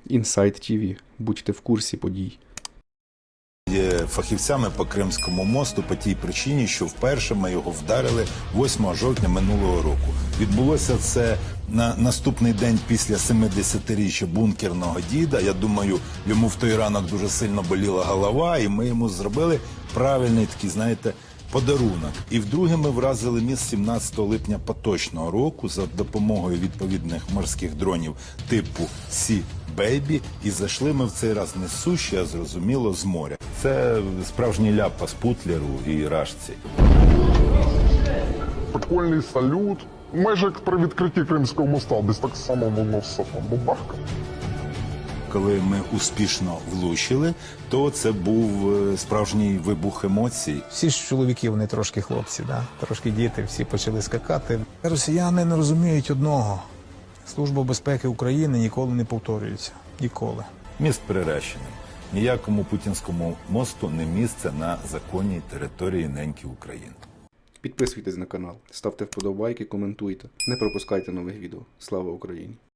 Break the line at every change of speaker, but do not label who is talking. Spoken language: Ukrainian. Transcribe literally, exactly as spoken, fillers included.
Інсайт ті ві. Будьте в курсі подій.
Є фахівцями по Кримському мосту по тій причині, що вперше ми його вдарили восьмого жовтня минулого року. Відбулося це на наступний день після семидесятиріччя бункерного діда. Я думаю, йому в той ранок дуже сильно боліла голова, і ми йому зробили правильний такий, знаєте, подарунок. І вдруге ми вразили міст сімнадцятого липня поточного року за допомогою відповідних морських дронів типу Сі Бейбі, і зайшли ми в цей раз не з суші, а зрозуміло з моря. Це справжній ляпас Путлеру і Рашці.
Прикольний салют. Майже як при відкритті Кримського моста, десь так само воно все там бабахка.
Коли ми успішно влучили, то це був е, справжній вибух емоцій.
Всі ж чоловіки, вони трошки хлопці, да? Трошки діти, всі почали скакати. Росіяни не розуміють одного. Служба безпеки України ніколи не повторюється. Ніколи.
Міст приречений. Ніякому путінському мосту не місце на законній території неньки України.
Підписуйтесь на канал, ставте вподобайки, коментуйте. Не пропускайте нових відео. Слава Україні!